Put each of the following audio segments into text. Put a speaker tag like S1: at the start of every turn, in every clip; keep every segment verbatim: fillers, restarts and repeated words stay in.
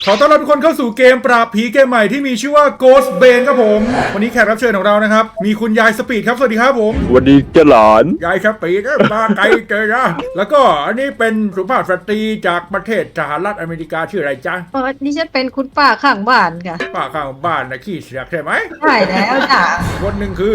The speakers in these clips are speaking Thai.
S1: ขอต้อนรับทุกคนเข้าสู่เกมปราบผีเกมใหม่ที่มีชื่อว่า Ghost Bane ครับผมวันนี้แขกรับเชิญของเรานะครับมีคุณยายสปีดครับสวัสดีครับผม
S2: สวัสดีเจ้าหลาน
S1: ยายสปีดมาไกลเจอนะแล้วก็อันนี้เป็นสุภาพสตรีจากประเทศสหรัฐอเมริกาชื่ออะไรจ๊ะ
S3: เออนี่ฉันเป็นคุณป้าข้างบ้านค่ะ
S1: ป้าข้างบ้านนะขี้เสียกใช่ไหม
S3: ใช่แล้วจ้ะ
S1: คนหนึ่งคือ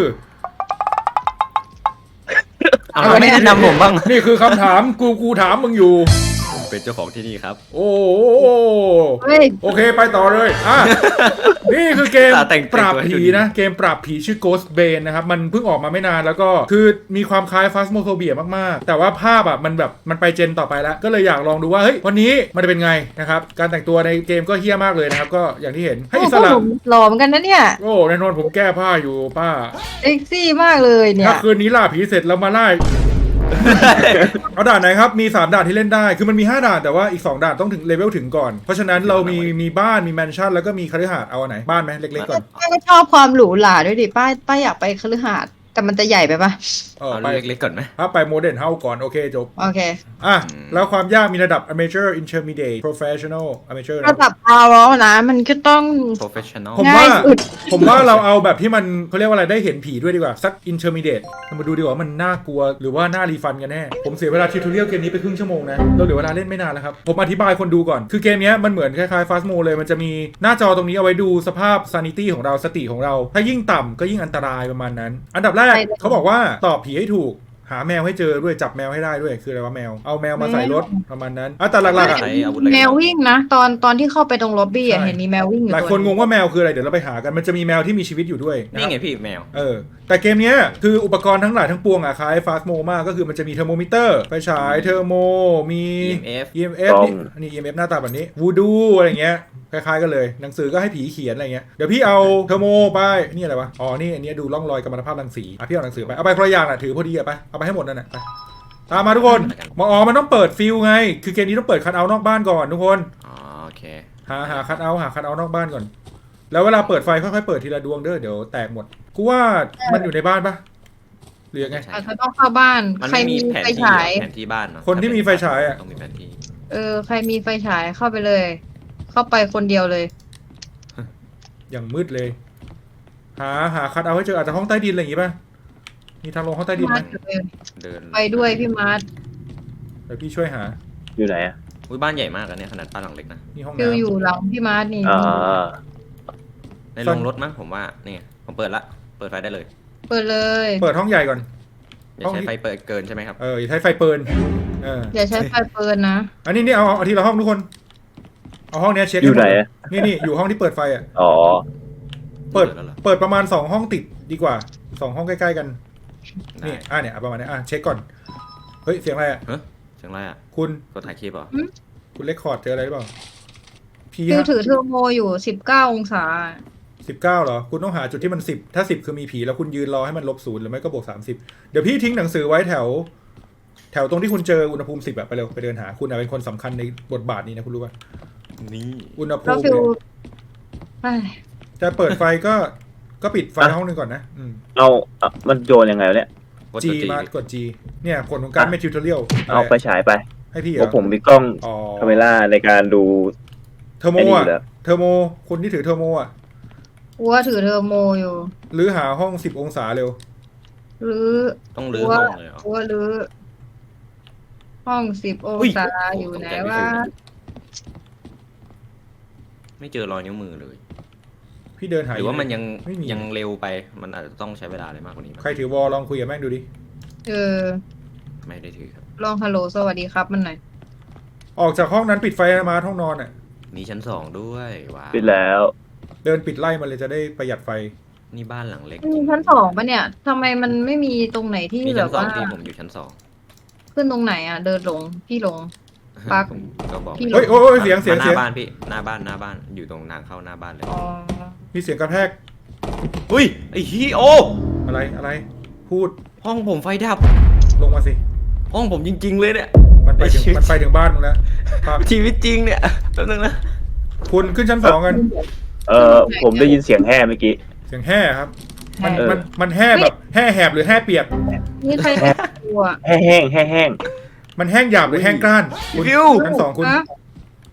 S4: เอาไม่แนะนำผมบ้าง
S1: นี่คือคำถามกูกูถามมึงอยู่
S4: ผมเป็นเจ้าของที่นี่ครับ
S1: โอ้โห
S3: เฮ้ย
S1: โอเคไปต่อเลยอ่ะ นี่คือเกม
S4: ตาแต่ง
S1: ปราบ
S4: แต่งตัวให้
S1: ผี
S4: ดูดี
S1: นะ เกมปราบผีชื่อ Ghost Bane นะครับ มันเพิ่งออกมาไม่นานแล้วก็คือมีความคล้าย Phasmophobia มากๆ แต่ว่าภาพอ่ะมันแบบมันไปเจนต่อไปแล้ว ก็เลยอยากลองดูว่า เฮ้ย วันนี้มันจะเป็นไงนะครับ การแต่งตัวในเกมก็เฮี้ยมากเลยนะครับ ก็อย่างที่เห็นให้อิสระ
S3: โอ้โหหล่อเหมือนกันนะเนี่ย
S1: โอ้แน่นอนผมแก้ผ้าอยู่ป้า
S3: เซ็กซี่มากเลยเนี่ย
S1: ถ้าคืนนี้ล่าผีเสร็จแล้วมาไล่ เอาด่านไหนครับ มี สาม ด่านที่เล่นได้ คือมันมี ห้า ด่าน แต่ว่าอีก สอง ด่านต้องถึงเลเวลถึงก่อน เพราะฉะนั้นเรามีมีบ้าน มีแมนชั่น แล้วก็มีคฤหาสน์เอาอันไหน บ้านไหมเล็กๆก่อน
S3: ป้าก็ชอบความหรูหราด้วยดิป้าป้าอยากไปคฤหาสน์แต่มันจะใหญ่ไปปะ
S1: เออ
S4: เอา
S1: ไป
S4: เล็กๆก่อนไหม
S1: ถ้าไปโมเดิร์นเฮาก่อน โอเคจบ
S3: โอเค
S1: อ่ะ แล้วความยากมีระดับ amateur intermediate professional amateur นะ
S3: ระดับพาวแล้วนะ มันก็ต้อง
S4: professional
S1: ผมว่า
S3: ง่ายสุด
S1: ผมว่าเราเอาแบบที่มันเขาเรียกว่าอะไรได้เห็นผีด้วยดีกว่า สัก intermediate เรามาดูดีกว่ามันน่ากลัวหรือว่าน่ารีฟันกันแน่ ผมเสียเวลาทิวทอเรียลเกมนี้ไปครึ่งชั่วโมงนะ เราเหลือเวลาเล่นไม่นานแล้วครับ ผมอธิบายคนดูก่อน คือเกมนี้มันเหมือนคล้ายๆ Phasmo เลย มันจะมีหน้าจอตรงนี้เอาไว้ดูสภาพ sanity ของเราสติของเรา ถ้ายิ่งต่ำก็ยิ่งอันตรายประมาณนั้น อันดับแรกเขาบอกว่าตอบผีให้ถูก หาแมวให้เจอด้วยจับแมวให้ได้ด้วยคืออะไรวะแมวเอาแมวมาใส่รถประมาณนั้นอ่ะแต่หลักๆอ่ะ
S4: ใช้อาวุธอะไร
S3: แมววิ่งนะ ตอนตอนที่เข้าไปตรงล็อบบี้อะ
S1: ใช่
S3: เห็นมีแมววิ่งอยู่
S1: หลาย
S3: ตัว
S1: คนงงว่าแมวคืออะไรเดี๋ยวเราไปหากันมันจะมีแมวที่มีชีวิตอยู่ด้วยะครับ
S4: นี่ไงพี่แมว
S1: เออแต่เกมเนี้ยคืออุปกรณ์ทั้งหลายทั้งปวงอะคล้ายฟาสโมมากก็คือมันจะมีเทอร์โมมิเตอร์ไฟฉายเทอร์โมมี
S4: อี เอ็ม เอฟ
S1: อี เอ็ม เอฟ นี่อันนี้ อี เอ็ม เอฟ หน้าตาแบบนี้วูดูอะไรเงี้ยคล้ายๆกันเลยหนังสือก็ให้ผีเขียนอะไรเงี้ยเดี๋ยวพี่เอาเทอร์โมไปนี่อะไรวะอ๋อนี่อันนี้ดูร่องรอยกัมมันตภาพรังสีอ่ะพี่เอาหนังสือไปเอาไปคนละอย่างน่ะถือพอดีอะไปเอาไปให้หมดนั่นแหละไปตามมาทุกคนมาอ๋อมันต้องเปิดฟิลไงคือเกมนี้ต้องเปิดคัทเอาท์นอกบ้านก่อนทุกคน
S4: อ๋อโอเค
S1: หาหาคัทเอาท์หาคัทเอาท์นอกบ้านก่อนแล้วเวลาเปิดไฟค่อยๆเปิดทีละดวงเด้อเดี๋ยวแตกหมดกูว่ามันอยู่ในบ้านปะหรือยังไง
S4: ใช่
S3: อาจจะต้องเข้าบ้าน
S4: มัน
S3: ใคร
S4: ไม่มี
S3: มี
S4: แผน
S3: ไฟ
S4: ที่
S3: ฉาย
S4: แผนที่บ้านเนาะ
S1: คนที่มีไฟฉายอะ
S4: ต้องมีแผนที่
S3: เออใครมีไฟฉายเข้าไปเลย เข้าไปคนเดียวเลย
S1: อย่างมืดเลย หาหาคัทเอาท์ให้เจออาจจะห้องใต้ดินอะไรอย่างงี้ป่ะ มีทางลงห้องใต้ดินไหม
S3: มาร์ทอยู่เลย
S4: เดิน
S3: ไปด้วยพี่มาร์ท
S1: เดี๋ยวพี่ช่วยหา
S2: อยู่ไหนอ่ะ
S4: อุ้ยบ้านใหญ่มากอะเนี่ยขนาดบ้านหลังเล็กนะ
S1: นี่ห้อง
S3: ฟิว
S1: น้ำ
S3: อยู่หลังพี่มาร์ทนี่
S2: อ่า
S4: ในโรงรถมั้งผมว่านี่ผมเปิดละเปิดไฟได้เลย
S3: เปิดเลย
S1: เปิดห้องใหญ่ก่อน
S4: อย่าใช้ไฟเปิดเกินใช่ไหมครับ
S1: เอออย่าใช้ไฟเปิลเออ
S3: อย่าใช้ไฟเปิดนะ
S1: อันนี้นี่เอาเอาทีละห้องทุกคน เอาห้องเนี้ยเช็ค
S2: อยู่ไหน
S1: ให้มด
S2: อะ
S1: นี่นี่อยู่ห้องที่เปิดไฟอ่ะ
S2: อ๋อ
S1: เปิด
S4: แล้วเหรอ
S1: เปิดประมาณสองห้องติดดีกว่าสองห้องใกล้ๆกัน
S4: ได้
S1: นี่อ่ะเนี่ยเอาประมาณนี้อ่ะเช็คก่อน เฮ้ยเสียงอะไรอ่ะ
S4: เฮ้ยเสียงอะไรอ่ะ
S1: คุณ
S4: กดถ่ายคลิปเหรอ
S1: คุณเลคคอร์ดเจออะไรหรือเปล่าพี
S3: ฟิวถือเทอร์โมอยู่สิบเก้าองศา
S1: สิบเก้าเหรอ คุณต้องหาจุดที่มันสิบถ้าสิบคือมีผีแล้วคุณยืนรอให้มันลบศูนย์หรือไม่ก็บวกสามสิบเดี๋ยวพี่ทิ้งหนังสือไว้แถว แถวตรงที่คุณเจออุณหภูมิสิบอะไปเร็วไปเดินหาคุณอะเป็นคนสำคัญในบทบาทนี้นะคุณรู้ป่ะ
S4: นี่
S1: อุณหภู
S3: แล้ว
S1: มิ
S3: ฟิว
S1: เนี่ย
S3: เอ้ย
S1: จะเปิดไฟก็ก็ปิดไฟห้องหนึงก่อนนะอืม
S2: เอาอ่ะมันโยนยังไงวะเนี่ย
S4: กด
S1: G
S4: ตัว G
S1: มากด G เนี่ยผลของการเป็นทิวทอเรียล
S2: เอาไปฉายไป
S1: ให้พี่เห
S2: เพ
S1: รอ
S2: ราะผมมีกล้อง
S1: อ๋อ
S2: คาเมล่าในการดู
S1: เทอร์โม
S2: ไอ้นี่อ
S1: อะ
S2: ยู่แล้ว
S1: เทอร์โมคนที่ถือเทอร์โมอะ
S3: อัวถือเทอร์โมอยู่
S1: หรือหาห้องสิบองศาเร็ว
S3: หรือ
S4: ต้องรื้อ
S3: อัว
S4: ห้องเลยเหรอ
S3: อัวหรือ ห้องสิบอง
S4: อุ้ย
S3: ศาอยู่ไหนวะ
S4: ไม่เจอรอยนิ้วมือเลย
S1: พี่เดินหา
S4: หรือว่ามันยัง
S1: ไม่มี
S4: ยังเร็วไปมันอาจจะต้องใช้เวลาอะไรมากกว่านี้มั้ย
S1: ใครถือวอลลองคุยกับแม่งดูดิ
S3: เออ
S4: ไม่ได้ถือครับ
S3: ลองฮัลโหลสวัสดีครับมันหน่อย
S1: ออกจากห้องนั้นปิดไฟมาห้องนอนอะ
S4: มีชั้นสองด้วยว้าว
S2: ปิดแล้ว
S1: เดินปิดไล่มันเลยจะได้ประหยัดไฟ
S4: นี่บ้านหลังเล็ก
S3: มีชั้นสองปะเนี่ยทำไมมันไม่มีตรงไหนที่
S4: มี
S3: แบ
S4: ชั้
S3: บ
S4: นสอง
S3: ว่า
S4: ที่ผมอยู่ชั้นสอง
S3: ขึ้นตรงไหนอ่ะ เดินลงพี่ลง ปัก
S4: ผมก็บอก
S3: พี่
S1: เฮ้ยโอ้ยโอ้ยเสียงเสียง
S4: ห
S1: เสียง
S4: น้าบ้านพี่หน้าบ้านหน้าบ้านอยู่ตรงทางเข้าหน้าบ้านเลย
S3: อ๋อ
S1: มีเสียงกระแทก
S4: อุ้ยไอ้ฮีโอ
S1: อะไรอะไร พูด
S4: ห้องผมไฟดับ
S1: ลงมาสิ
S4: ห้องผมจริง ๆ เลยเนี่ย
S1: มันไปถึง
S4: ไอ้ชิบ
S1: มันไปถึงบ้านมึงแล้วครับ
S4: ชีวิตจริงเนี่ยแป๊บนึงนะ
S1: คุณขึ้นชั้นสองกัน
S2: เออผมได้ยินเสียงแห่เมื่อกี้
S1: เสียงแห่ครับ มัน
S2: เออ
S1: มันมันแห่แบบแห่แหบหรือแห่เปียก
S3: นี่ใครตัว
S2: แห่แห้งแห่แห้ง
S1: มันแห้งหยาบหรือแห้งกร้านคุณ
S4: ฟิว
S1: ชั้นสองคุณ
S3: ฮะ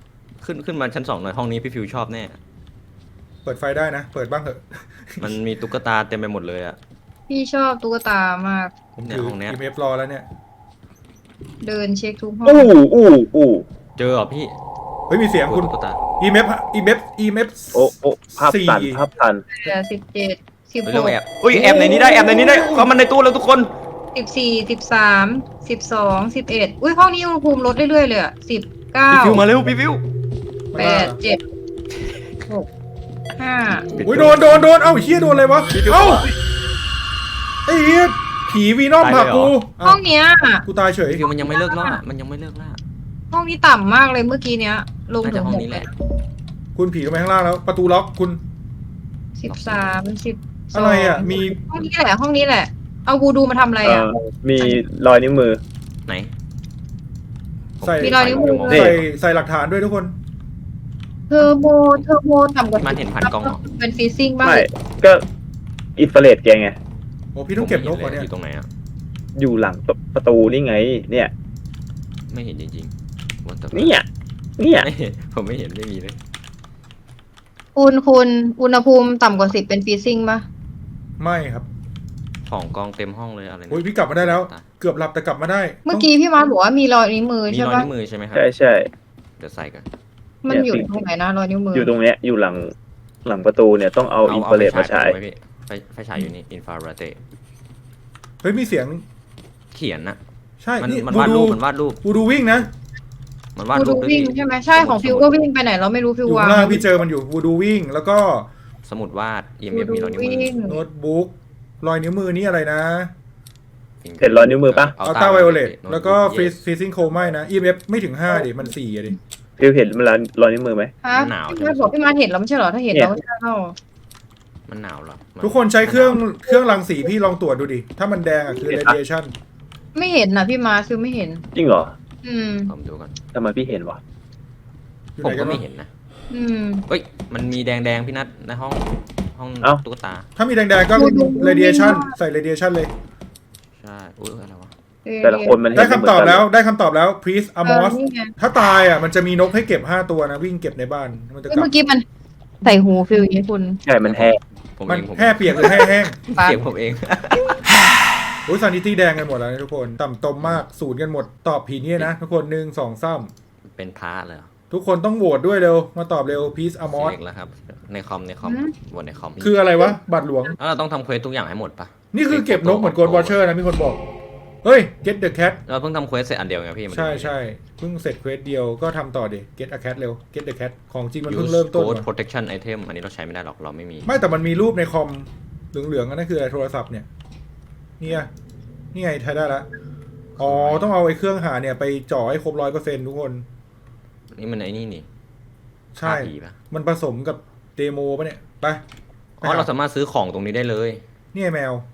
S4: ขึ้นขึ้นมาชั้นสองหน่อยห้องนี้พี่ฟิวชอบแน่
S1: เปิดไฟได้นะ เปิดบ้างเถอะ
S4: มันมีตุ๊กตาเต็มไปหมดเลยอะ
S3: พี่ชอบตุ๊กตามาก
S1: ผม
S4: เนี่ย
S1: ถือ
S4: ห้องเนี้ย
S1: อีเมฟรอแล้วเนี่ย
S3: เดินเช็คทุกห้อง
S2: อู้อู้อู้
S4: เจอเหรอพี่
S1: เฮ้ยมีเสียงคุณ
S4: ตุ๊กตา
S1: อีเมฟอีเมฟอีเมฟ
S2: โอ้โอ้ภาพตันภาพตัน
S3: เหลือสิบเจ็ดสิบ
S4: เฮ้ย
S3: ห
S4: เรื่อง
S3: ก
S4: แอบอุ้ยแอบในนี้ได้แอบในนี้ได้เข้ามันในตู้แล้วทุกคน
S3: สิบสี่สิบสามสิบสองสิบเอ็ดอุ้ยห้องนี้อุณหภูมิลดเรื่อยๆเลยอ่ะสิบเก้า
S4: พี่ฟิวมาเร็วพี่ฟิว
S3: แปดเจ็ดหกห้า
S1: อุ้ยโดนโดนโดนเอ้าเฮียโดนอะไรวะเอ้าไอ้เฮียผีวีนอมผลักกู
S3: ห้องเนี้ย
S1: กูตายเฉย
S4: พี่ฟิวมันยังไม่เลิกล่ามันยังไม่เลิกล่า
S3: ห้องนี้ต่ำมากเลยเมื่อกี้เนี้ย ลง
S4: น่า
S3: ถึ
S4: จะ
S3: ง
S4: ห้อง
S3: หก
S4: นี้แหละ
S1: คุณผีลงไปข้างล่างแล้ว ประตูล็อกคุณ
S3: สิบสามสิบ
S1: อะไรอ่ะมี
S3: ห้องนี้แหละห้องนี้แหละ เอาวูดูมาทำอะไร
S2: เอ่
S3: อ่ะ
S2: อมีรอยนิ้วมือ
S4: ไหน
S1: ใส่
S3: มีรอยนิ้วมือ
S1: ใส่ใส่หลักฐานด้วยทุกคน
S3: เทอร์โบเทอร์โบต่ำกว่า
S4: มันเห็นพันกล้องเหรอ
S3: เป็นฟรีซิ่งบ้าง
S2: ไม่ก็อินฟราเรดแกไง
S1: โอ้พี่ต้องเก็บนกก่อนเนี่ย
S4: อยู่ตรงไหนอะ
S2: อยู่หลังประตูนี่ไง เนี่ย
S4: ไม่เห็นจริงๆ What the fuck
S2: เนี่ยเนี่ย
S4: ไม่เห็นผมไม่เห็นไม่มีเลย
S3: คุณคุณอุณหภูมิต่ำกว่าสิบเป็นฟรีซิ่งป่ะ
S1: ไม่ครับ
S4: ของกองเต็มห้องเลยอะไร
S1: โอ้ยพี่กลับมาได้แล้ว เกือบหลับแต่กลับมาได้
S3: เมื่อกี้พี่มาร์คบอกว่ามีรอยนิ้วมือ
S4: มี
S3: ใช่
S4: รอย
S3: ป่ะ
S4: นิ้วมือใช่ไหมครับ
S2: ใช่ใช่
S4: เดี๋ยวใส่กัน
S3: มันอยู่ตรงไหนนะรอยนิ้วมือ
S2: อ
S3: อยู่
S2: ตรงเนี้ยอยู่หลังหลังประตูเนี่ยต้องเอาอินฟราเรดมาใช้
S4: ไฟพี่ไฟไฟฉายอยู่นี่อินฟราเรด
S1: เฮ้ยมีเสียง
S4: เขียนนะ
S1: ใช่
S4: มัน
S1: นี่
S4: มัน
S1: บู
S4: วาด
S1: ดู
S4: รูปมันวาดรูป
S1: บูดูวิ่งนะ
S4: มันวาด
S3: กู
S4: รู
S3: ดู
S4: ปด้วย
S3: วิ่ง
S4: พี่
S3: ใช่ไหมใช่ของฟิวก็วิ่งไปไหนเราไม่รู้ฟิ
S1: อ
S3: ว
S1: ยู่
S3: วา
S1: ข้าง งล่างพี่เจอมันอยู่บูดูวิ่ง แล้วก็
S4: สมุดวาด อี
S3: กู
S4: เมฟ
S3: ดู
S4: มีรอยนิ้วมื
S3: วิ่
S4: อง
S1: โน้ตบุ๊กรอยนิ้วมือนี่อะไรนะ
S2: เห็นรอยนิ้วมือปะ
S1: อัลตราไวโอเลตแล้วก็ฟรีฟรีซิงโคไม่นะ อี เอฟ ไม่ถึงห้าดิมันสี่อะดิ
S2: ฟิวเห็นมันรอยนิ้วมือไหม
S3: ฮะพี่มาร์คบอกพี่มาร์คเห็นแล้วไม่ใช่เหรอถ้าเห็น
S2: เนี่ย
S3: เราจะเข้า
S4: มันหนาวเหรอมั
S1: ทุกคนใช้เครื่องเครื่องรังสีพี่ลองตรวจดูดิ ถ้ามันแดงอ่ะคือ radiation
S3: ไม่เห็นนะพี่มาร์คฟิวไม่เห็น
S2: จริงเหรอ
S3: อืม
S4: ผมดูก่อน
S2: ทำไมพี่เห็นวะ
S1: อยู่
S4: ผม
S1: ไหน
S4: ก็
S1: กัน
S4: ไม่
S1: วะ
S4: เห็นนะ
S3: อืม
S4: เฮ้ย มันมีแดงแดงๆพี่นัทในห้องห้อง
S2: เอ้า
S4: ตุ๊กตา
S1: ถ้ามีแดงๆก็
S3: บูดู
S1: radiation ใส่ radiation เลย
S4: ใช่ อุ้ยอะไรวะ
S2: แต่ละคนมันเห็น
S1: ได้
S2: ม่
S1: คำ
S2: เหมืน
S1: ตอบ
S2: กัน
S1: แล้วได้คำตอบแล้ว please
S3: เออ
S1: amos
S3: นี่ไง
S1: ถ้าตายอ่ะมันจะมีนกให้เก็บห้าตัวนะ วิ่งเก็บในบ้านมันจะกลับ
S3: เมื่อกี้มันใส่หูฟิวอย่างนี้คุณ
S2: ใช่มันแห้ง
S4: ผม
S1: มัน
S4: เองผม
S1: แห้เปียกหรือแห้แห้ง
S3: ปั๊บ
S4: เสียงผมเอง
S1: โอ้ยซานิตี้แดงกันหมดแล้วนะทุกคน ต่ำตมมากศูนย์กันหมด ตอบผีเนี่ยนะ ทุกคนหนึ่งสองสาม
S4: เป็นพระเลยเหรอ
S1: ทุกคนต้องโหวตด้วยเร็ว มาตอบเร็ว please
S4: เสี
S1: amos
S4: ยงแล้วครับ ในคอมในคอมบนในคอม
S1: คืออะไรวะ บัตรหลวง
S4: แล้วเราต้องทำเควสทุกอย่างให้หมดปะ
S1: นี่คือเก็บนกเหมือนโกดวอชเชอร์นะมีคนบอก เฮ้ย get the cat
S4: เราเพิ่งทำเควสเสร็จอันเดียวไงพี่มัน
S1: ใช่ใช่เพิ่งเสร็จเควสเดียวก็ทำต่อดิ get a cat เร็ว get the cat ของจริงมันเพิ่งเริ่มต้น
S4: โค้ด
S1: ว่ะ
S4: protection item อันนี้เราใช้ไม่ได้หรอกเราไม่มี
S1: ไม่แต่มันมีรูปในคอมเหลืองๆอันนั่นคืออะไรโทรศัพท์เนี่ยเนี่ยนี่ไงใช้ได้ละอ๋อต้องเอาไอ้เครื่องหาเนี่ยไปจ่อให้ครบร้อยเปอร์เซ็นต์ทุกคน
S4: นี่มันไอ้นี่นี่
S1: ใช่
S4: ฆ่าผีปะ
S1: มันผสมกับเดโมปะเนี่ยไป
S4: อ๋อเราสามารถซื้อของตรงนี้ได้เลย
S1: นี่ไงแมว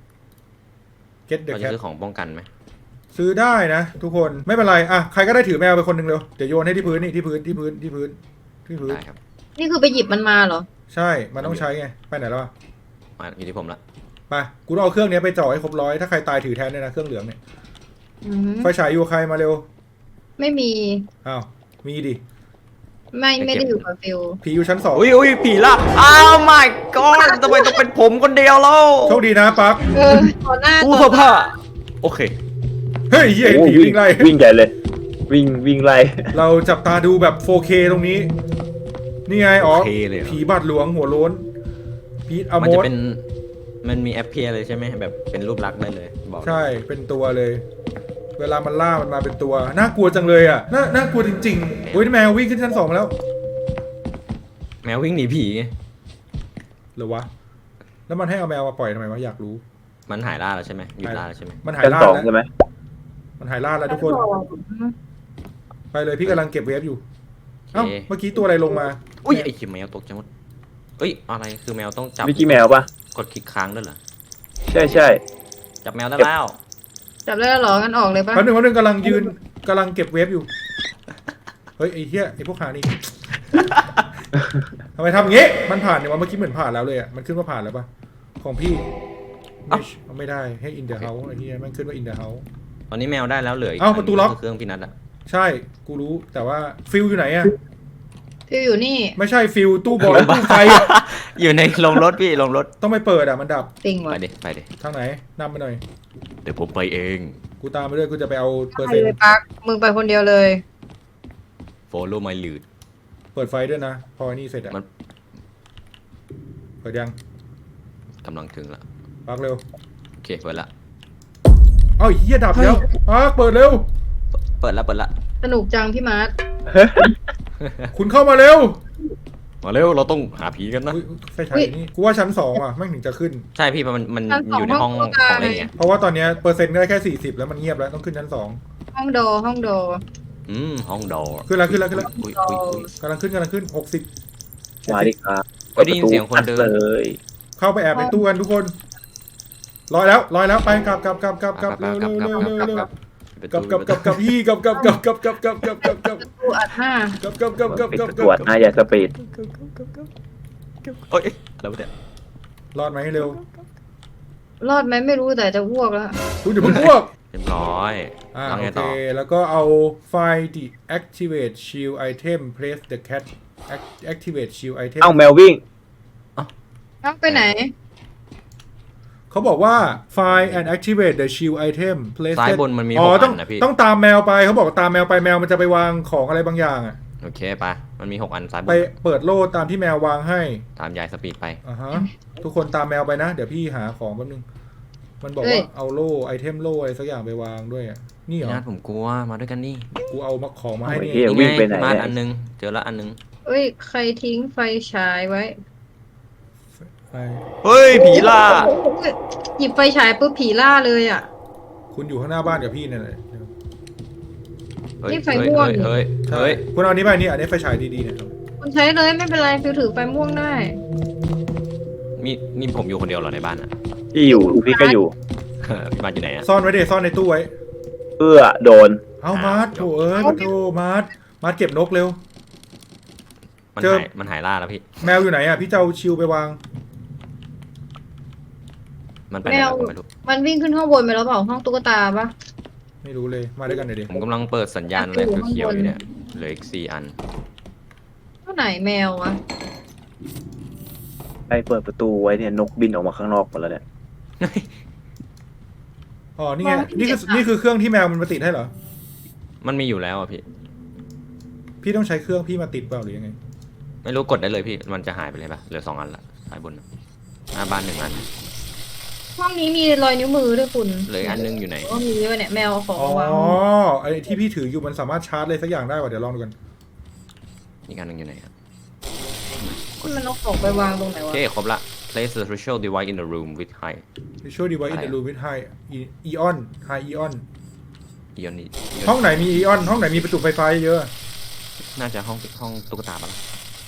S1: get the
S4: เราจะ
S1: cat
S4: ซื้อของป้องกันไหม
S1: ซื้อได้นะทุกคนไม่เป็นไรอ่ะใครก็ได้ถือแมวไปคนหนึ่งเร็วเดี๋ยวโยนให้ที่พื้นนี่ที่พื้นที่พื้นที่พื้นที่พื้น
S4: ได้ครับ
S3: นี่คือไปหยิบมันมาเหรอ
S1: ใช่มันต้องใช้ไงไปไหนแล้วอะ
S4: มาอยู่ที่ผมละ
S1: ไปกูต้องเอาเครื่องเนี้ยไปจ่อให้ครบร้อยถ้าใครตายถือแทนเนี่ยนะเครื่องเหลืองเนี่ย
S3: อืม
S1: ไฟฉายอยู่กับใครมาเร็ว
S3: ไม่มี
S1: อ้าวมีดิ
S3: ไม่ไม่ได้อยู่กับฟิว
S1: ผีอยู่ชั้นสอง
S4: อุ้ยอุ้ยผีละอ้าว my god ทำไมต้องเป็นผมคนเดียวแล้ว
S1: โชคดีนะปั๊ก
S3: เออต่อหน้า
S4: อู้
S3: ต่อ
S4: ผ้าโอเค
S1: เฮ้ยเหี้ยเห็น
S2: โอ้
S1: ผีวิ่งไล่
S2: วิ่งใหญ่เลย วิ่งวิ่งไล่
S1: เราจับตาดูแบบ โฟร์เค ตรงนี้ นี่ไงอ๋อ
S4: โอเคเลยเหรอ
S1: ผีบาดหลวงหัวโล้นพีทอ
S4: มัน
S1: โม
S4: จะ
S1: ส
S4: เป็นมันมีแอปเพียเลยใช่ไหมแบบเป็นรูปลักษณ์ได้เลยบอก
S1: ใช่เป็นตัวเลย เวลามันล่ามันมาเป็นตัว น่ากลัวจังเลยอ่ะ น่าน่ากลัวจริงๆโอ้ยแมววิ่งขึ้นชั้นสองมาแล้ว
S4: แมววิ่งหนีผีไง
S1: หรือวะ แล้วมันให้เอาแมวมาปล่อยทำไมวะอยากรู้
S4: มันหายล่าแล้วใช่ไหมหยุดล่าแล้วใช่ไหม
S1: มันหาย
S2: ชั้น
S1: ล่า
S2: สอง
S1: แล้ว
S2: ใช่ไหม
S1: มันหายล่าแล้วทุกคน ไปเลยพี่กำลังเก็บเวฟอยู่ เอ้า เมื่อกี้ตัวอะไรลงมา
S4: อุ้ยไอ้ขี้แมวตกใจหมดเอ้ยอะไรคือแมวต้องจับ
S2: วิกกี้แมวปะ
S4: กดคลิกค้างด้วยเหรอ
S2: ใช่ใช่
S4: จับแมวได้แล้ว
S3: จับได้แล้วเหรองั้นออกเลยปะ
S1: แป๊บนึงแป๊บนึงกำลังยืนกำลังเก็บเวฟอยู่ เฮ้ยไอ้เหี้ยไอ้พวกหานี่ ทำไมทำอย่างงี้ มันผ่านเนี่ยว่าเมื่อกี้เหมือนผ่านแล้วเลยอ่ะ มันขึ้นว่าผ่านแล้วปะของพี่ไม่ไม่ได้ให้ in the house ไอ้เหี้ยมันขึ้นว่า in the house
S4: ตอนนี้แมวได้แล้วเหลืออีก
S1: เอ้าประตูล็อก
S4: เครื่องพี่นัทอะ
S1: ใช่ กูรู้ แต่ว่าฟิลอยู่ไหนอ่ะ
S3: ฟิวอยู่นี่
S1: ไม่ใช่ฟิลตู้บอลตู้ไฟอะ
S4: อยู่ในลงรถพี่ลงรถ
S1: ต้องไปเปิดอ่ะมันดับ
S3: ติง
S4: ไป
S3: ว่ะ
S4: ดิไปดิ
S1: ทางไหนนำไปหน่อย
S4: เดี๋ยวผมไปเอง
S1: กูตามไปด้วยกูจะไปเอาเปอร์
S3: ไป
S1: เซ็นต์
S3: เลยปักมึงไปคนเดียวเลย
S4: follow my lead
S1: เปิดไฟด้วยนะ พอนี่เสร็จอ่ะ
S4: มัน
S1: เปิดยัง
S4: กำลังถึงละ
S1: ปักเร็ว
S4: โอเคเปิดละ
S1: เอ้าเฮียดับแล้วปักเปิดเร็ว
S4: เปิดละเปิดละ
S3: สนุกจังพี่มาร์ท
S1: คุณเข้ามาเร็ว
S4: มาเร็วเราต้องหาผีกันนะ
S1: อุ๊ยไฟฉายนี่กูว่าชั้นสองอ่ะไม่งถึงจะขึ้น
S4: ใช่พี่มันมันมันอยู่ในห้องของเล่นไง
S1: เพราะว่าตอนเนี้ยเปอร์เซ็นต์ก็ได้แค่สี่สิบแล้วมันเงียบแล้วต้องขึ้นชั้นสอง
S3: ห้องโดห้องโด
S4: อืมห้องดอ
S1: ขึ้นแล้วขึ้นแล้วขึ้นแล้ว
S4: อุ้ยอุ้ยอุ้ย
S1: กำลังขึ้นกำลังขึ้นหกสิบ
S2: มาดิครับ
S4: ไม่ได้ยินเสียงคนเดิน
S2: เลย
S1: เข้าไปแอบในตู้กันทุกคนลอยแล้วลอยแล้วไปกลับกลับกลับกลับกลับเร็วเร็วเร็วเร็วเร็วกลับกลับกลับกลับพี่กลับกลับกลับกลับกลับกลับกลับกลับกลับ
S3: กูอัดหน้าก
S1: ลับกลับกลับกลับ
S2: ปิด
S1: กลับ
S2: ตรวจนะอย่าสปีด
S4: โอ้ยแล้วเนี่ย
S1: รอดไหมเร็ว
S3: รอดไหมไม่รู้แต่จะอ้วกแล้ว
S1: คุณเดี๋ยวมึงพวก
S4: เรียบร้อย
S1: อ่า
S4: แล้ว
S1: โอ
S4: ไง
S1: เค
S4: ต่อ
S1: แล้วก็เอาไฟ deactivate shield item place the cat Act- activate shield item
S2: เอ้าแมววิ่ง
S3: ต้องไปไหน
S1: เขาบอกว่า find and activate the shield item place
S4: ซ้ายบนมันมี
S1: อ๋
S4: ห
S1: อก ต้อง
S4: อันนะพี่
S1: ต้องตามแมวไปเขาบอกตามแมวไปแมวมันจะไปวางของอะไรบางอย่างอ่ะ
S4: โอเคไปมันมีหกอันซ้ายบ
S1: ไป
S4: น
S1: เปิดโล่ตามที่แมววางให้
S4: ตามยายสปีดไป
S1: อ่าฮะทุกคนตามแมวไปนะ เดี๋ยวพี่หาของแป๊บนึง มันบอก
S3: เอ้ย
S1: ว่าเอาโล่ไอเทมโล่อะไรสักอย่างไปวางด้วยอ่ะนี่เหร
S4: พี่
S1: อ
S4: นัทผมกลัวมาด้วยกันนี่
S1: กูเอามาของมาให้
S2: เอาไอ้
S1: นี่
S2: เหี้ย
S4: นี่
S2: วิ่ง
S4: ไง
S2: ไปไหน
S4: มา
S2: เนี่ย
S4: อันนึงเจอละอันนึง
S3: เอ้ยใครทิ้งไฟฉายไว้
S1: ไป
S4: เฮ้ยผีล่า
S3: หยิบไฟฉายปุ๊บผีล่าเลยอ่ะ
S1: คุณอยู่ข้างหน้าบ้านกับพี่เนี่ยเลย
S4: เฮ้ย
S3: นี่ไฟ
S4: เฮ้ย
S3: ม่วง
S4: เฮ้ย
S1: ใช่
S4: เฮ้ย
S1: คุณเอาอันนี้ไปนี่อันนี้ไฟฉายดีๆเนี่ย
S3: คุณใช้เลยไม่เป็นไรฟิวถือไฟม่วงได้
S4: มีนี่ผมอยู่คนเดียวเหรอในบ้านอ่ะ
S2: ที่อยู่พี่ก็อยู่
S4: พี่บ้านอยู่ไหนอ่ะ
S1: ซ่อนไว้เดซ่อนในตู้ไว้
S2: เอื้อโดน
S1: เอามาร์ทโถเอ้ยมาโถมาร์ทมาร์ทเก็บนกเร็ว
S4: มัน
S1: เจอ
S4: หายมันหายล่าแล้วพี่
S1: แมวอยู่ไหนอ่ะพี่เจ้าชิวไปวาง
S4: มันไปไหนแล้วผมไม่รู้
S3: มันวิ่งขึ้นข้างบนไปแล้วเปล่าห้องตุ๊กตาปะ
S1: ไม่รู้เลยมาด้วยกันหน่อยดิ
S4: ผมกำลังเปิดสัญญาณอะไรเขียวๆอยู่เนี่ยเหลืออีกสี่อัน
S3: เท่าไหนแมววะ
S2: ไปเปิดประตูไว้เนี่ยนกบินออกมาข้างนอกหมดแล้วเนี่ย
S1: อ๋อนี่ไงนี่คือนี่คือเครื่องที่แมวมันมาติดให้เหรอ
S4: มันมีอยู่แล้วอ่ะพี่
S1: พี่ต้องใช้เครื่องพี่มาติดเปล่าหรือยังไง
S4: ไม่รู้กดได้เลยพี่มันจะหายไปเลยปะเหลือสองอันละซ้ายบนน่ะหน้าบ้านหนึ่งอัน
S3: ห้องนี้มีรอยนิ้วมือด้วยคุณ
S4: เหลืออีกอันนึงอยู่ไหน
S3: ก็มีด้วยเนี่ยแมวเอาของ
S1: อ๋อ
S3: มาวาง
S1: ไอ้ที่พี่ถืออยู่มันสามารถชาร์จอะไรสักอย่างได้ป่ะเดี๋ยวลองดูกัน
S4: อีกอันนึงอยู่ไหนครับ
S3: มันเอาของไปวางตรงไหน
S4: โอ
S3: วะ
S4: เคครบละ place the ritual device in the room with high
S1: Visual device in
S4: อะไร
S1: the
S4: อะ
S1: room with high e- eon high eon
S4: ion นี่
S1: ห้องไหนมี eon ห้องไหนมีประจุไฟฟ้าเยอะ
S4: น่าจะห้องห้องตุ๊กตาปะล่ะ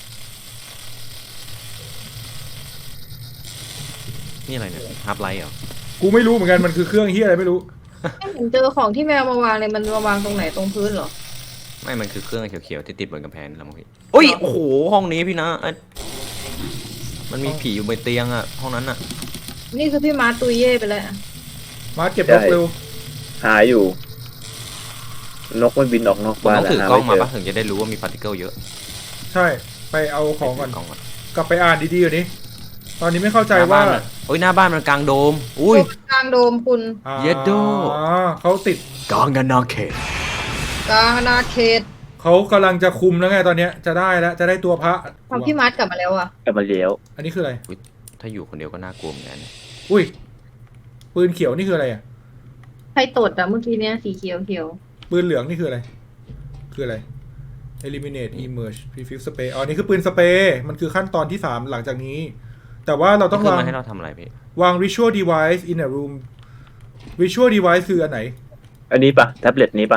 S4: นี่อะไรเนี่ยฮับไลท์เหรอ
S1: กูไม่รู้เหมือนกันมันคือเครื่องเฮียอะไรไม่รู้
S3: ไม่เห็นเจอของที่แมวมาวางเลยมันมาวางตรงไหนตรงพื้นเหรอ
S4: ไม่มันคือเครื่องเขียวๆที่ติดบนกำแพงแล้วมั้งพี่อุ้ยโอ้โหห้องนี้พี่นะไอ้มันมีผีอยู่บนเตียงอ่ะห้องนั้นอ่ะ
S3: นี่คือพี่มาร์ตตุยเย่ไปแล้ว
S1: มาร์ทเก็บนกเร็ว
S2: หาอยู่ นกมันบินออกนอก
S4: ผม
S2: บ้าน
S4: ต้อง
S2: แล้ว
S4: ถือ
S2: หาก
S4: ล้อง
S2: ไม่
S4: มา
S2: เจอ
S4: ปะถึงจะได้รู้ว่ามีพาร์ติเคิลเยอะ
S1: ใช่ไปเอาของก่อน
S4: ถืกล้องก่อน
S1: กลับไปอ่านดีๆก่อนนี้ตอนนี้ไม่เข้าใจว่า
S4: หน้บ้นอะโอ้ยหน้าบ้านมันกลางโดมอุ้ย
S3: กลางโดมคุณ
S1: อ่า
S4: เย็ดโด
S1: อ๋อเขาติด
S4: กลางกันนาเขต
S3: กลางอาณาเขต
S1: เขากำลังจะคุมแล้วไงตอนเนี้ยจะได้แล้วจะได้ตัวพระ
S3: ทำพี่มาร์ตกลับมาแล้วอ่ะ
S2: กลับมาเลี้ยว
S1: อันนี้คืออะไร
S4: ถ้าอยู่คนเดียวก็น่ากลัวเหมือนกัน
S1: อุ้ยปืนเขียวนี่คืออะไรอ่ะ
S3: ใครตดอ่ะเมื่อกี้เนี้ยสีเขียวเขียว
S1: ปืนเหลืองนี่คืออะไร คืออะไร eliminate emerge prefix spray อ๋อนี่คือปืนสเปรย์มันคือขั้นตอนที่สามหลังจากนี้ แต่ว่าเรา
S4: ต้
S1: ต้
S4: อ
S1: อง ง
S4: วาง
S1: วาง
S4: ให้เราทำอะไรพี่
S1: วาง visual device in a room visual device คืออันไหน
S2: อันนี้ปะแท็บเล็ตนี้ปะ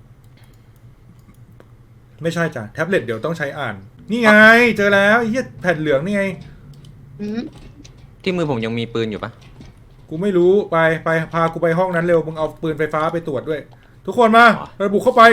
S1: ไม่ใช่จ้ะแท็บเล็ตเดี๋ยวต้องใช้อ่าน นี่ไง เจอแล้วไอ้เหี้ยแผ่นเหลืองนี่ไง
S3: อืม
S4: ที่มือผมยังมีปืนอยู่ปะ
S1: กูไม่รู้ไปไปพากูไปห้องนั้นเร็วมึงเอาปืนไฟฟ้าไปตรวจด้วย ทุกคนมาเราบุกเข้าไป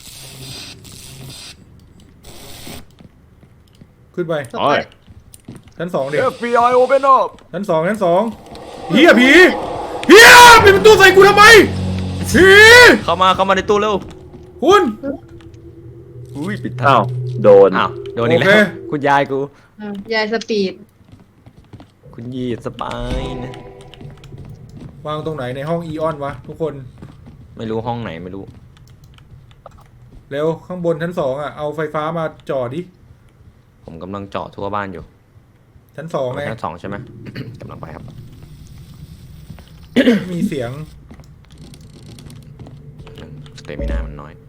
S1: ขึ้นไป
S3: ต่อไป
S1: ชั้นสองเด็ก
S4: เอฟ บี ไอ open up
S1: ชั้นสองชั้นสองเฮียผีเฮียปิดประตูใส่กูทำไมผี
S4: เข้ามาเข้ามาในตู้เร็ว
S1: คุณ
S4: อุ้ยปิดทา
S2: อ้าง วโดน
S4: อ้าวโดนอีกแล้
S1: โอ
S4: ว
S1: เค
S4: คุณยายกู
S3: อ่ะยายสปีด
S4: คุณยีดสปายนะ
S1: วางตรงไหนในห้องอีออนวะทุกคน
S4: ไม่รู้ห้องไหนไม่รู้
S1: เร็วข้างบนชั้นสองอ่ะเอาไฟฟ้ามาจ่อดิ
S4: ผมกำลังเจาะทั่วบ้านอยู่
S1: ชั้นสองไง
S4: ชั้นสองใช่ไหม กำลังไปครับ
S1: มีเสียง
S4: สเตมินามันน้อย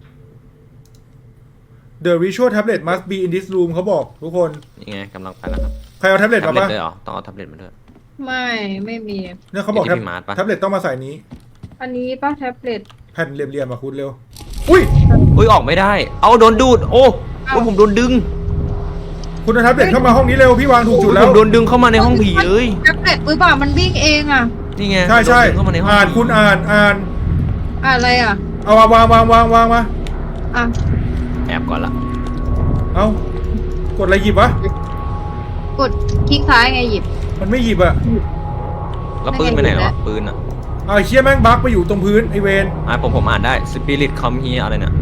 S1: The visual tablet must be in this room เขาบอกทุกคน
S4: นี่ไงกำลังไปแล้วครับ
S1: ใครเอาแท็บเล็ต
S4: แท็
S1: มา
S4: บเล็ต
S1: ปะ
S4: ด้วยเหรอต้องเอาแท็บเล็ตมาด้วย
S3: ไม่ไม่มี
S1: เนี่ยเขาบอก
S4: มีที่พี่มาร์ทปะ
S1: แท็บเล็ตต้องมาใส่นี้
S3: อันนี้ป้าแท็บเล็ต
S1: แผ่นเหลี่ยมๆมาคุณเร็ว อุ้ย
S4: อุ้ยออกไม่ได้ เอาโดนดูด โอ้โอ้ผมโดนดึง
S1: คุณเอาแท็บเล็ตเข้ามาห้องนี้เร็วพี่วางถูกจุดแล้
S4: ผ
S1: ว
S4: มโดนดึงเข้ามาในห้องผีเลย
S3: แท็บเล็ตปื้ป่ามันวิ่งเองอ่ะ
S4: นี่ไง
S1: ใช่ใช่
S4: โดนดึงเข้ามาในห้อง
S1: อ่าน
S4: ผี
S1: คุณอ่านอ่าน
S3: อะอะไรอ่ะ
S1: เอาวางวางวางวางวางมา
S3: อ่ะ
S4: แอบก่อนละ
S1: เอากดอะไรหยิบวะ
S3: กดคลิกซ้ายไงหยิบ
S1: มันไม่หยิบอะ
S4: แล้วปืนไปไหน
S3: ไม่เห็น
S4: วะ
S3: แล้ว
S4: ปืนอะ
S1: เอาไอ้เชี่ยแม่งบั๊กไปอยู่ตรงพื้นไอเวน
S4: อ่ะผมผมอ่านได้ Spirit Come Here อะไรเนี่ย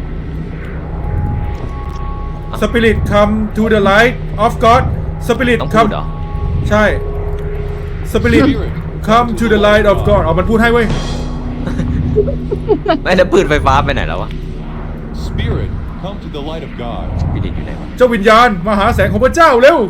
S1: สปิริต come to the light of God สปิริต
S4: ต้องพู
S1: come
S4: ดเหรอ
S1: ใช่สปิริต come to the light of God เอามันพูดให้เว้ย
S4: ไม่แล้วปืนไฟฟ้าไปไหนแล้ววะ
S5: Spirit, come to the light of God.
S4: สปิริตอยู่ไหนวะ
S1: เจ้าวิญญาณมาหาแสงของพระเจ้าเร็ว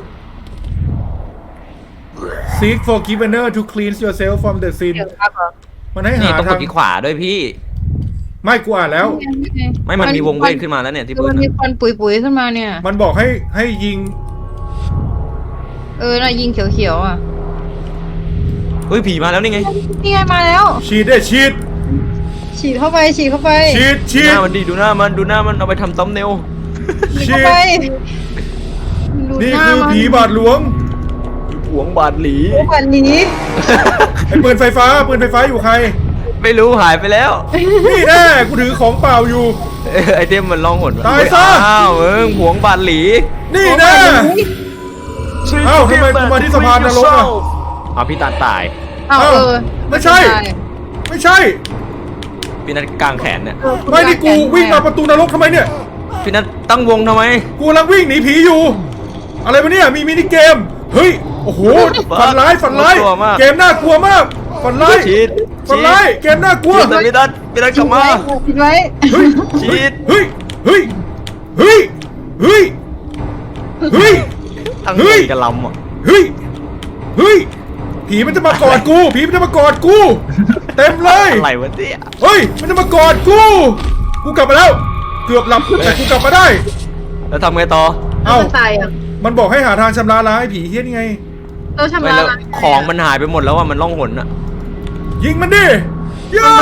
S1: Seek forgiveness to cleanse yourself from the sin
S3: เดี๋ยวครับเหรอ
S1: มันให้
S4: นี่
S1: หา
S4: ต้องก
S1: ทา
S4: ด
S1: ง
S4: ที่ขวาด้วยพี่
S1: ไม่กูอ่านแล้ว
S4: ไม่มันมีวงเวทขึ้นมาแล้วเนี่ยที่
S3: คือ
S4: ปื
S3: มัน นมี
S4: อะ
S3: ควันปุ๋ยๆขึ้นมาเนี่ย
S1: มันบอกให้ให้ยิง
S3: เออน่ะยิงเขียวๆอ่ะ
S4: เฮ้ยผีมาแล้วนี่ไง
S3: นี่ไงมาแล้ว
S1: ฉีดได้ฉีด
S3: ฉีดเข้าไปฉีดเข้าไป
S1: ฉีด
S4: ดู
S1: ฉี
S4: ห
S1: ด
S4: น้ามันดีดูหน้ามันดูหน้ามันเอาไปทำซัมเนล
S3: ฉีดเข้าไปดู
S1: นี่
S3: หน้า
S1: คือ
S3: มัน
S1: ผีบาทหลวง
S4: หวงบาดหลี
S3: โอ้วันนี้
S1: ไอ้ปืนไฟฟ้าปืนไฟฟ้าอยู่ใคร
S4: ไม่รู้หายไปแล้ว
S1: นี่แน่กูถือของเปล่าอยู่
S4: เอ้ยไอเทมมันล่องหน
S1: ตายซะ
S4: อ้าวมึงหวงบาดหลี
S1: นี่แน่เอ้าทำไมกูมาที่สะพานนรกอ่ะ
S4: เอาพี่ตาตาย
S3: เอาเออ
S1: ไม่ใช่ ไม่ใช่
S4: พี่นัทกลางแขนเนี่ย
S1: ไม่นี่กูวิ่งมาประตูนรกทำไมเนี่ย
S4: พี่นัทตั้งวงทำไม
S1: กูกำลังวิ่งหนีผีอยู่ อะไรวะเนี่ยมีมินิเกม เฮ้ย โอ้โห ฝันร้ายฝันร้าย
S4: น่ากลัวมาก
S1: เกมน่ากลัวมาก ฝันร้าย
S4: ชีด
S1: ฝันร้าย เกมน่ากลัว
S4: ชีดแต่พี่นัทพี่นัทกลับมา
S3: ฉีดไว้
S1: เฮ้ย
S4: ชีด
S1: เฮ้ย เฮ้ย เฮ้ย เฮ้ย เฮ้ย
S4: ตั้ง
S1: เฮ้
S4: วย งกับลำอ่ะ
S1: เฮ้ย เฮ้ย ผีมันจะมากอดกู ผีมันจะมากอดกู เต็มเลย
S4: อะไรวะเนี่ย
S1: เฮ้ย มันจะมากอดกู กูกลับมาแล้ว เกือบหลับแต่กูกลับมาได้
S4: แล้วทำไงต่อ
S1: เอ้า
S3: มันตายอ่ะ
S1: มันบอกให้หาทางชำระล้างไอ้ผีเฮี้ยนี่ไง
S3: เราชำ
S4: ไม่
S3: ระ
S4: แล้ว
S3: ล้าง
S4: ของมันหายไปหมดแล้วอ่ะมันล่องหนอ่ะ
S1: ยิงมันดิย่า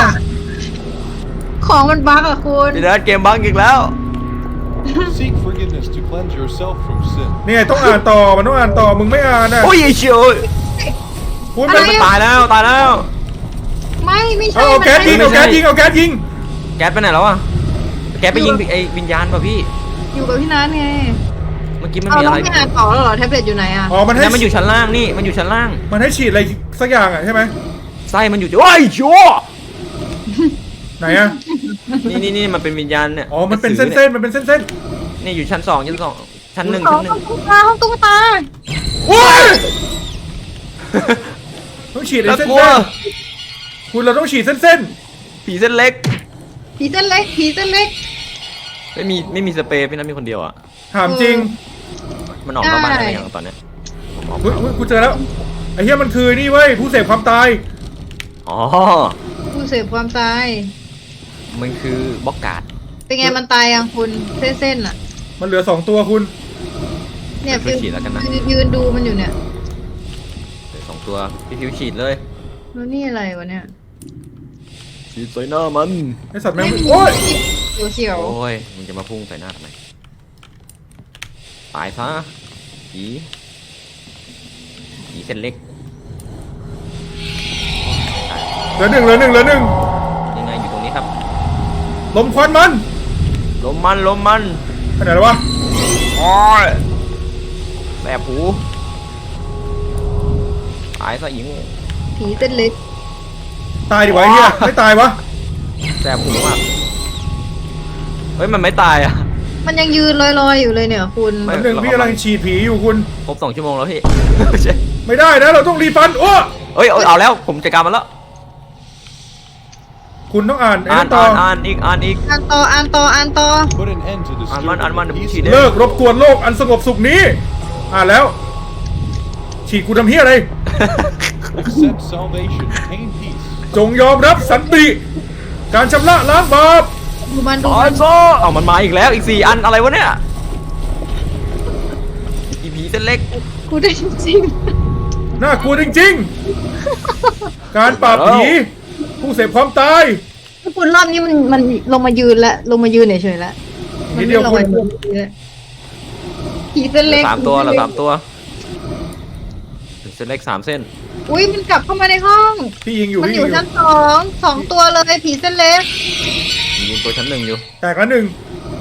S3: ของมันบั๊กอ่ะคุณ
S4: พี่นัทเกมบังอีกแล้ว
S5: Seek forgiveness to cleanse yourself from sin.
S1: เนี่ยต้องอ่านต่อ มันต้องอ่านต่อ มึงไม่อ่านนะ
S4: โอ้ยไอ้เชียว
S1: คุณ
S4: มั
S1: ไม่
S4: นตายแล้วตายแล้ว
S3: ไม่ไม่ใช่
S1: เอาเอาแก๊สยิง
S3: มัน
S1: เอาแก๊สยิง เอาแก๊สยิง
S4: แก๊สไปไหนแล้วอ่ะแก๊สไปยิงไอ้วิญญาณป่ะพี่
S3: อยู่กับพี่นัทไง
S4: เมื่อกี้มัน
S3: เอา
S4: มี
S3: แล้
S4: อะ
S3: ว
S4: ไร
S3: ไม่อ่านต่อแล้วเหรอแท็บเล็ตอยู่ไหนอ่ะ
S1: อ๋อ มันให้
S4: นั่นมันอยู่ชั้นล่างนี่มันอยู่ชั้นล่าง
S1: มันให้ฉีดอะไรสักอย่างอ่ะใช่ไหม
S4: ไส้มันอยู่โอ้ยชัว
S1: ไหนอ่ะ
S4: นี่นี่นี่มันเป็นวิญญาณเนี่ย
S1: อ๋อ มันเป็น
S4: กระสือ
S1: เส้นๆ มันเป็นเส้น
S4: นี่อยู่ชั้นสองชั้นสองชั้นหนึ่ง
S3: ห้อ
S4: ชั้
S3: ง
S4: นหนึ่ง
S3: ตุ๊กตาห้องตุ๊กตา
S1: ๆโอ้ยต้องฉีดไอ้
S4: น่า
S1: เส้
S4: กลัวน
S1: ๆคุณเราต้องฉีดเส้น
S4: ผีเส้นเล็ก
S3: ผีเส้นเล็กผีเส้นเล็ก
S4: ไม่มีไม่มีสเปรย์พี่นัทมีคนเดียวอ่ะ
S1: ๆถามจริง
S4: มันออกนอกบ้าน
S3: ได้
S4: อะไรอย่างตอนเนี้ยผมออก
S1: เฮ้ยเฮ้ยกูเจอแล้ว ไอ้เหี้ยมันคือนี่เว้ย ผู้เสพความตาย
S4: อ๋อ
S3: ผู้เสพความตาย
S4: มันคือบล็อกการ์ด
S3: เป็นไงมันตายยังคุณเส้นๆอ่ะ
S1: มันเหลือสองตัวคุณ
S3: เนี่ย
S4: ช่วยฉีดแล้วกันนะ
S3: ยืนยืนดูมันอยู่เนี่ย
S4: เดี๋ยวสองตัวพี่ฟิวฉีดเลย
S3: แล้วนี่อะไรวะเนี่ย
S4: ฉีดใส่หน้ามัน
S1: ไอ้สัตว์แม่งโอ้ย
S3: เขียวเขียว
S4: โอ้ยมึงจะมาพุ่งใส่หน้าทำไมตายซะผีผีเส้นเล็ก
S1: เหลือหนึ่งเหลือหนึ่งเหลือหนึ่ง
S4: ยังไงอยู่ตรงนี้ครับ
S1: ลมควันมัน
S4: ลมมันลมมัน
S1: ไปไหนแล้ววะ
S4: โอ้ยแสบหูตายซะหญิง
S3: ผีเส้นเล็ก
S1: ตายดิวะไอ้เหี้ยไม่ตายวะ
S4: แสบหูมากเฮ้ยมันไม่ตายอ่ะ
S3: มันยังยืนลอยๆอยู่เลยเนี่ยคุณ
S4: ไม่
S1: หนึ่งพี่กำลังฉีดผีอยู่คุณ
S4: ครบสองชั่วโมงแล้วพี่
S1: ไม่ได้นะเราต้องรีฟันโอ้
S4: เอ้ยเอาเอาแล้วผมจัดการมันแล้ว
S1: คุณต้องอ่านไอ้
S4: อ่าน
S1: นั่นต่อ
S4: อ่านอ่านอีกอ่านอีก
S3: อ่านต่ออ่านต่ออ่านต่อ
S5: Put an end to the
S4: Ăn
S5: stupid
S4: măn, ăn măn,
S5: and
S4: chỉ
S5: peaceful.
S4: để-
S1: เลิกรบกวนโลกอันสงบสุขนี้ อ่านแล้ว ฉีดกูทำเฮียอะไร
S5: Accept salvation, attain peace.
S1: จงยอมรับสันติ การชำระล้างบาป
S3: ดูมันดู
S4: อ๋อ
S3: มัน
S4: โซเอามันมาอีกแล้วอีกสี่อันอะไรวะเนี่ยอีผีเส้นเล็ก
S3: กูได้จริง
S1: น่ากลัวจริงๆ การปราบผี ผู้เสพความตาย
S3: ๆคุณรอบนี้มันมันลงมายืนแล้วลงมายืนเฉยๆแล้ว
S1: นิ
S3: มัน
S1: ดเดี
S3: ไม่
S1: ยว
S3: ลอย
S1: คุณ
S3: เลยผีเส้น
S4: เหลื
S3: เล็
S4: อก สามตัวเหลือ
S3: ผี
S4: สามตัวเส้นเล็กสามเส้น
S3: อุ้ยมันกลับเข้ามาในห้อง
S1: พี่ยิงอยู่
S3: มัน
S1: พี่
S3: อ
S1: ยิง
S3: ยู่
S1: อยู่
S3: ชั้นสองสองตัวเลยผีเส้นเล็ก
S4: ยิงตัวชั้นหนึ่งอยู่
S1: แตกแล้วหนึ่ง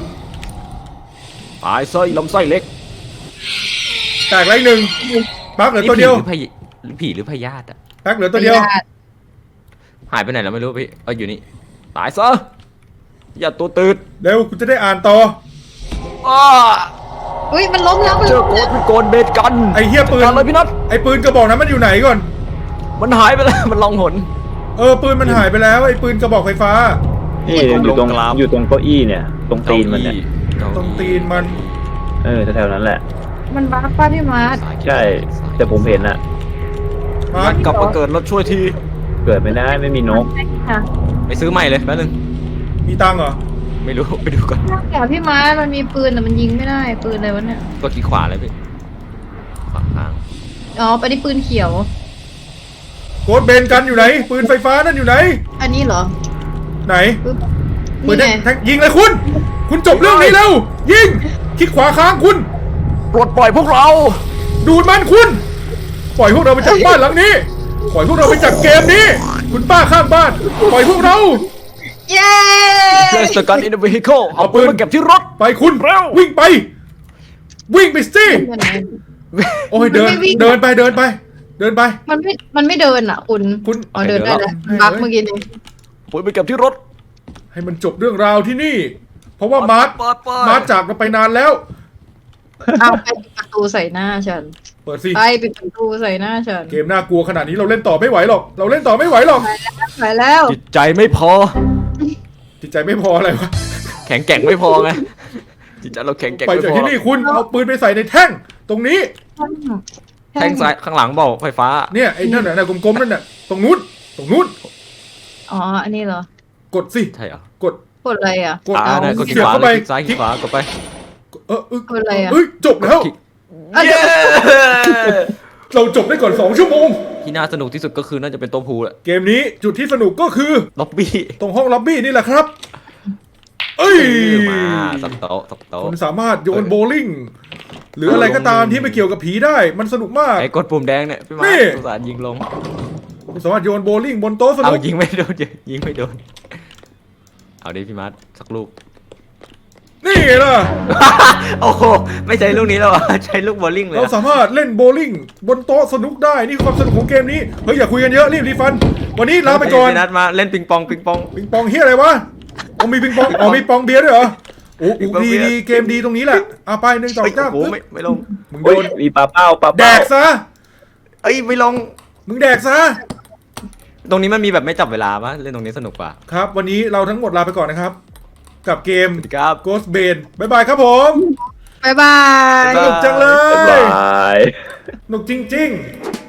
S4: ตายไส้ลำไส้เล็ก
S1: แตกแล้วอีกหนึ่งปักเหลือตัวเดียว
S4: นี่ผีหรือพยหรือผีหรือพยาธิอะ
S1: ปักเหลือตัวเดียว
S3: ญาติ
S4: หายไปไหนแล้วไม่รู้พี่เอออยู่นี่ตายซะอย่าตัวตืด
S1: เร็วกูจะได้อ่านต่อ
S4: อ้า
S3: อุ้ยมันล้มแล้วมัน
S4: เจ
S3: ล้
S4: อ
S3: ม
S4: โก
S3: แล้ว
S4: ดเป็นโกนเบสกัน
S1: ไอ้เหี้ยปืน
S4: จัดการเลยพี่นัท
S1: ไอ้ปืนกระบอกนั้นมันอยู่ไหนก่อน
S4: มันหายไปแล้ว มันลองหน
S1: เออปืนมันหายไปแล้วไอ้ปืนกระบอกไฟฟ้า
S2: นี่อยู่ตรง
S4: ลงกราฟ
S2: อยู่ตรงเก้าอี้เนี่ย ตรงตีนมันเนี่ย
S1: ตรงตีนมัน
S2: เออแถวๆนั้นแหละ
S3: มันบ้าป้าพี่มาร์ท
S2: ใช่ แต่ผมเห็นอะ
S1: มา
S4: มันกลับมาเกิดรถช่วยที
S2: เกิดไม่ได้ไม่มีนก
S3: ค่ะ
S4: ไปซื้อใหม่เลยแป๊บนึง
S1: มีตังค์เหรอ
S4: ไม่รู้ ไปดูก่อน
S3: แต่พี่มาร์ทมันมีปืนแต่มันยิงไม่ได้ปืนอะไรวะเนี่ย
S4: กดที่ขวาเลยพี่ขวาค้าง
S3: อ๋อไปที่ปืนเขียว
S1: โกดเบนกันอยู่ไหน ปืนไฟฟ้านั่นอยู่ไหน
S3: อันนี้เหรอ
S1: ไหน
S3: ปึ๊บ
S1: ปืน
S3: นี่
S1: แท
S3: ไง
S1: งแทงยิงเลยคุณ คุณจบเรื่องนี้แล้ว ยิงคลิกขวาค้างคุณ
S4: ปลดปล่อยพวกเรา
S1: ดูดมันคุณ ปล่อยพวกเราไปจากบ้านหลังนี้ ปล่อยพวกเราไปจากเกมนี้ คุณป้าข้างบ้าน ปล่อยพวกเรา
S3: เย้
S4: Place the gun in the vehicle เอาปืนมาเก็บที่รถ
S1: ไปคุณ
S4: เร็ว
S1: วิ่งไป วิ่งไปสิโอ้ยเดิน
S3: มันไม่วิ่ง
S1: เดินไปเดินไป เดินไป
S3: มันไม่มันไม่เดินอ่ะคุณ
S1: คุณ
S3: อ๋อเดินได้แล้ว
S1: เดี๋ยว
S3: บัก
S1: เดี๋ยว
S3: เมื่อกี้นี้
S4: ปืนไปเก็บที่รถ
S1: ให้มันจบเรื่องราวที่นี่ เพราะว่ามาร์ท
S4: เปิดเปิด
S1: มาร์ทจากเราไปนานแล้ว
S3: เอาไปปิดประตูใส่หน้าฉัน
S1: เปิดสิ
S3: ไปปิดประตูใส่หน้าฉัน
S1: เกมน่ากลัวขนาดนี้เราเล่นต่อไม่ไหวหรอก เราเล่นต่อไม่ไหวหรอก
S3: ไปแล้ว
S4: จิตใจไม่พอ
S1: จิตใจไม่พออะไรวะ
S4: แข็งแกร่งไม่พอไง จิตใจเราแข็งแกร่ง
S1: ไป
S4: ไม่
S1: จาก
S4: พอ
S1: ที่นี่คุณเอาปืนไปใส่ในแท่ง ตรงนี้
S4: แทงซ้ายข้างหลังเบาไฟฟ้า
S1: เนี่ยไอ้นั่นน่ะกลมๆนั่นน่ะ ตรงนู้น ตรงนู้น
S3: อ๋ออันนี้เหรอ
S1: กดสิ
S4: ใช่เหรอ
S1: กด
S3: กดอะไรอ่ะ
S1: กด
S4: อ่า
S1: เอา
S4: ได้กดคลิก
S1: เสียบ
S4: ขวา
S1: เข้า
S4: เล
S1: ไป
S4: ยคลิกซ้ายคลิกขวากดไป
S1: เออเออก
S3: ดอะไรอ่ะ
S1: เอ้ยจบแล้ว
S4: คลิก
S3: อ่ะเดี๋ยว
S1: เราจบได้ก่อนสองชั่วโมง
S4: ที่น่าสนุกที่สุดก็คือน่าจะเป็นตัวพูแหละ
S1: เกมนี้จุดที่สนุกก็คือ
S4: ล็อบบี้
S1: ตรงห้องล็อบบี้นี่แหละครับ เอ้ย
S4: มาสับโต๊ะสับโต๊ะ
S1: คุณสามารถโยนโบว์ลิ่ง หรืออะไรก็ตามที่ไม่เกี่ยวกับผีได้ มันสนุกมาก
S4: ไอ้กดปุ่มแดงเนี่ยพี่มา
S1: นี่
S4: สงสารยิงลง
S1: คุณสามารถโยนโบว์ลิ่งบนโต๊ะส
S4: เอา
S1: นุก
S4: ยิงไม่โดนยิงไม่โดน เอาดิพี่มาร์ทสักลูก
S1: นี่ไงล่ะ
S4: โอ้โหไม่ใช่ลูกนี้แล้วอ่ะใช้ลูกบอลลิงเลย
S1: เรา
S4: อะ
S1: สามารถเล่นโบว์ลิ่งบนโต๊ะสนุกได้ นี่คือความสนุกของเกมนี้ เฮ้ยอย่าคุยกันเยอะรีบรีฟัน วันนี้ลาไปก่อน
S4: พี่นัดมาเล่นปิงปองปิงปอง
S1: ปิงปองเฮียอะไรวะอ๋อมีปิงปอง อ๋อมีปองเบียร์ด้วยเหรอ โอ้
S4: ปิง
S1: โห
S4: ปอง
S1: ดี
S4: เบียร์
S1: ดีเกมดีตรงนี้แหละเอาไปหนึ่งสอง
S4: เฮ้ย
S1: สาม
S4: โอ้โหไม่ไม่ลง
S1: มึงโด
S2: โอ้ย
S1: น
S2: มีปลาเป้าปลา
S1: แด
S2: เป้า
S1: กซะ
S4: เอ้ยไม่ลง
S1: มึงแดกซะ
S4: ตรงนี้มันมีแบบไม่จับเวลาปะเล่นตรงนี้สนุกกว่า
S1: ครับ วันนี้เราทั้งหมดลาไปก่อนนะครับ กับเกม
S4: สวัสดีครับ
S1: Ghost Bane บ๊ายบายครับผม
S3: บ๊ายบาย
S1: สนุกจังเล
S2: บ๊าย
S1: ย
S2: บาย
S1: สนุกจริง ๆ